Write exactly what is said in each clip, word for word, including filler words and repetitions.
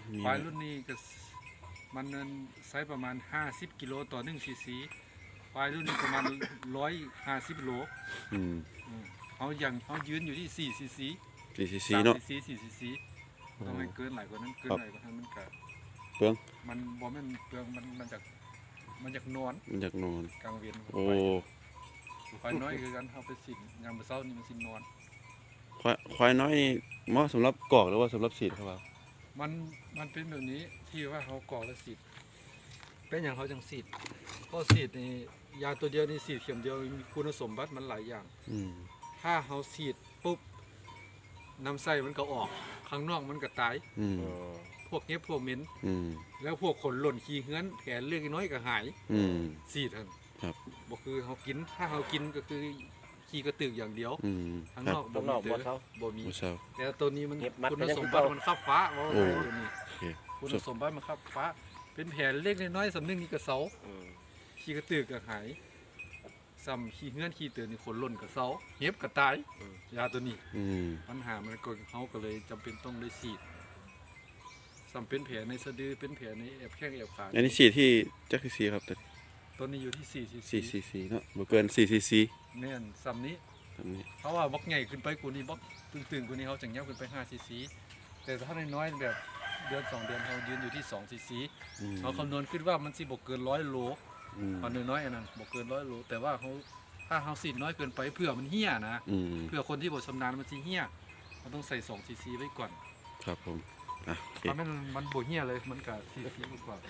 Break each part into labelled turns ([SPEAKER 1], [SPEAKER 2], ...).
[SPEAKER 1] ควายรุ่นนี้ก็มันเนินไซส์ประมาณห้าสิบกิโลต่อหนึ่งซีซีควายรุ่นนี้ประมาณร้อยห้าสิบโล
[SPEAKER 2] อืม
[SPEAKER 1] เขาอย่างเขายืนอยู่ที่สี่ซีซี
[SPEAKER 2] สี่ซีซีเนาะ
[SPEAKER 1] สี่ซีซีต้องไม่เกินหลายกว่านั้นเกินหลายกว่านั้นมันก็
[SPEAKER 2] เปลือง
[SPEAKER 1] มันบ่แม่นเปลืองมันมันจากมันจากนอน
[SPEAKER 2] มันจากนอน
[SPEAKER 1] กลางเวียน
[SPEAKER 2] โอ้
[SPEAKER 1] ควายน้อยคือกันเขาไปสินยามมื้อเช้านี่มันสินอน
[SPEAKER 2] ควายควายน้อยนี่เหมาะสำหรับกอกหรือว่าสำหรับสีดครับ
[SPEAKER 1] มันมันเป็นแบบนี้ที่ว่าเขากรอกแล้วสีดเป็นอย่างเขาจังสีดเพราะสีดนี่ยาตัวเดียวนี่สีดเข็มเดียวมีคุณสมบัติมันหลายอย่างถ้าเขาสีดปุ๊บน้ำไส้มันก็ออกข้างนอกมันก็ตายพวกเนี้ยพวกเหม็นแล้วพวกขนหล่นขี้เหือนแผลเล็กน้อยก็หายสีดท่านบอกคือเขากินถ้าเขากินก็คือขี้กระตือกอย่างเดียวข้างนอกบ่มีเด้อบ่มีแต่ตัวนี้มันคุณสมบัติมันขับฟ้าว่าตัวนี้คุณสมบัติมันขับฟ้าเป็นแผลเล็กน้อยสำนึกนี่กระเซาขี้กระตือกก็หายซ้ำขี้เหือนขี้เตือนนี่ขนหล่นกระเซาเห็บกระตายยาตัวนี้ปัญหามันก็เขาก็เลยจำเป็นต้องได้ฉีดซ้ำเป็นแผลในสะดือเป็นแผลในแอบแข้งแอบขา
[SPEAKER 2] อันนี้ฉีดที่จักรซีครับ
[SPEAKER 1] ตัวนี้อยู่ที่สี่ซี
[SPEAKER 2] ซีซีซีเนาะบ่เกินสี่ซีซี
[SPEAKER 1] แม่นซ้ำนี้เพราะว่าบล็อกใหญ่ขึ้นไปกูนี่บล็อกตึงๆกูนี่เขาจังเงี้ยขึ้นไปห้าซีซีแต่ถ้าน้อยๆแบบเดือนสองเดือนเขายืนอยู่ที่สองซีซีเขาคำนวณขึ้นว่ามันสิบกเกินร้อยโลตอนน้อยๆอันนั้นบกเกินร้อยโลแต่ว่าเขาถ้าเขาสีน้อยเกินไปเพื่อมันเหี้ยนะเพื่อคนที่บ่ชำนาญมันสิเหี้ยเขาต้องใส่สองซีซีไว้ก่อน
[SPEAKER 2] ครับผมอ่ะโอเค
[SPEAKER 1] มันมันบ่เหี้ยเลยมันกับซีซีมากกว่า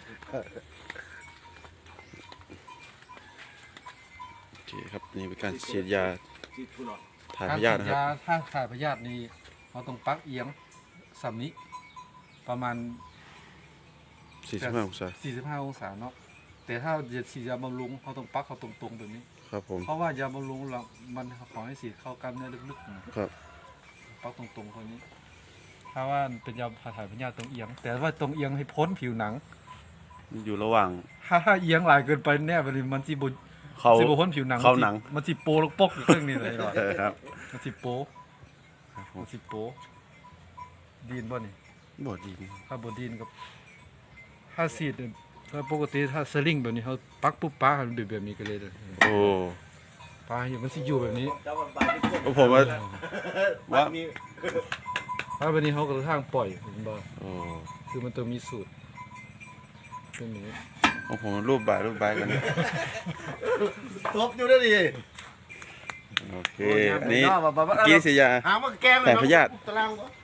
[SPEAKER 2] โอเคครับนี่เป็นการฉีดยาถ่ายพยาธินะครับ
[SPEAKER 1] ถ้าถ่ายพยาธินี่เราต้องปักเอียงสำนี้ประมาณ
[SPEAKER 2] สี่สิบห้าองศา
[SPEAKER 1] สี่สิบห้าองศาเนาะแต่ถ้าจะฉีดยาบำรุงเขาต้องปักเขาตรงๆแบบนี้
[SPEAKER 2] ครับผม
[SPEAKER 1] เพราะว่ายาบำรุงเรามันขอให้ฉีดเข้ากล้ามเนื้อลึกๆ
[SPEAKER 2] ครับ
[SPEAKER 1] ปักตรงๆคนนี้ถ้าว่าเป็นยาถ่ายพยาธิตรงเอียงแต่ว่าตรงเอียงให้พ้นผิวหนัง
[SPEAKER 2] อยู่ระหว่าง
[SPEAKER 1] ถ้าถ้าเอียงหลายเกินไปแน่มันสิบุ
[SPEAKER 2] เขา
[SPEAKER 1] สิบพ้นผิวหนัง
[SPEAKER 2] เขาหนัง
[SPEAKER 1] มันสิโปลกปกอยู่เครื่องนี้เลยหรอ
[SPEAKER 2] ครับ
[SPEAKER 1] มันสิโปมันสิโปดีนบ่นี่
[SPEAKER 2] บ่ดีน
[SPEAKER 1] ถ้าบ่ดีนกับถ้าสีดถ้าปกติถ้าสลิงแบบนี้เขาปักปุ๊บป้ามันแบบแบบนี้กันเลยเลย
[SPEAKER 2] โอ้
[SPEAKER 1] ป้าอยู่มันสิอยู่แบบนี้
[SPEAKER 2] ผมว่าว่า
[SPEAKER 1] ถ้าแบบนี้เขาก็ทางปล่อยเห็นบ่คือมันต้องมีสูตรเป็นอย่างนี้
[SPEAKER 2] โอ้โหรูปบ่ายรูปบ่ายกัน
[SPEAKER 3] ทบอยู่ได้ดิ
[SPEAKER 2] โอเคอันนี้กีสียา
[SPEAKER 3] หามาแกง
[SPEAKER 2] แต่พยาธิ